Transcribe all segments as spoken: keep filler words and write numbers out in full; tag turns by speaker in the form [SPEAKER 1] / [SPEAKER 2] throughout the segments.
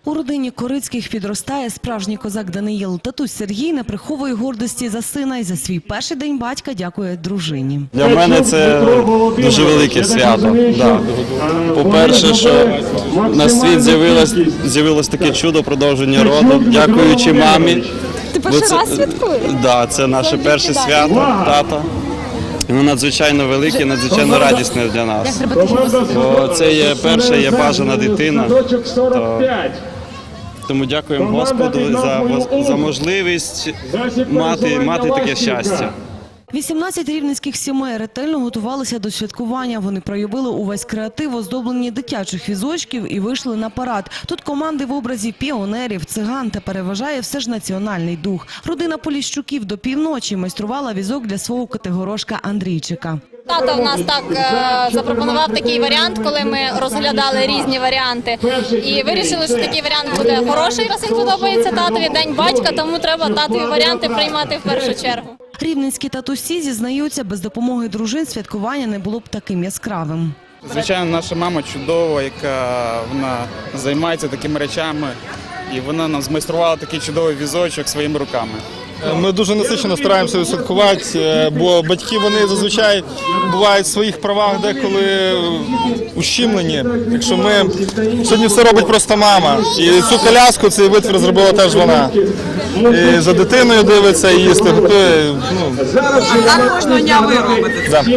[SPEAKER 1] У родині Корицьких підростає справжній козак Даниїл. Татусь Сергій не приховує гордості за сина і за свій перший день батька дякує дружині.
[SPEAKER 2] Для мене це дуже велике свято. Да. По-перше, що на світ з'явилось, з'явилось таке чудо продовження роду, дякуючи мамі.
[SPEAKER 3] Ти перший раз святкуєш?
[SPEAKER 2] Так, да, це наше перше свято, тата. Воно надзвичайно велике, надзвичайно радісне для нас. Бо це є перша, є бажана дитина. То... Тому дякуємо Господу за, за можливість мати, мати таке щастя.
[SPEAKER 1] вісімнадцять рівненських сімей ретельно готувалися до святкування. Вони проявили увесь креатив, оздоблені дитячих візочків і вийшли на парад. Тут команди в образі піонерів, циган та переважає все ж національний дух. Родина Поліщуків до півночі майструвала візок для свого котигорошка Андрійчика.
[SPEAKER 3] Тато в нас так е, запропонував такий варіант, коли ми розглядали різні варіанти. І вирішили, що такий варіант буде хороший, раз він подобається татові, День батька, тому треба татові варіанти приймати в першу чергу.
[SPEAKER 1] Рівненські татусі зізнаються, без допомоги дружин святкування не було б таким яскравим.
[SPEAKER 4] Звичайно, наша мама чудова, яка вона займається такими речами, і вона нам змайструвала такий чудовий візочок своїми руками.
[SPEAKER 5] Ми дуже насичено стараємося відсвяткувати, бо батьки вони зазвичай бувають в своїх правах деколи ущемлені. Якщо ми сьогодні все робить просто мама, і цю коляску, цей витвір зробила теж вона. І за дитиною дивиться, і їсти готує. Ну.
[SPEAKER 6] Так кожного дня ви робите.
[SPEAKER 5] Да.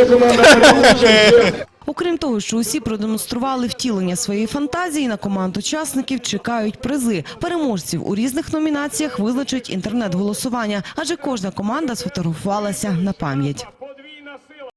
[SPEAKER 1] Окрім того, що усі продемонстрували втілення своєї фантазії, на команд учасників чекають призи. Переможців у різних номінаціях визначить інтернет-голосування, адже кожна команда сфотографувалася на пам'ять.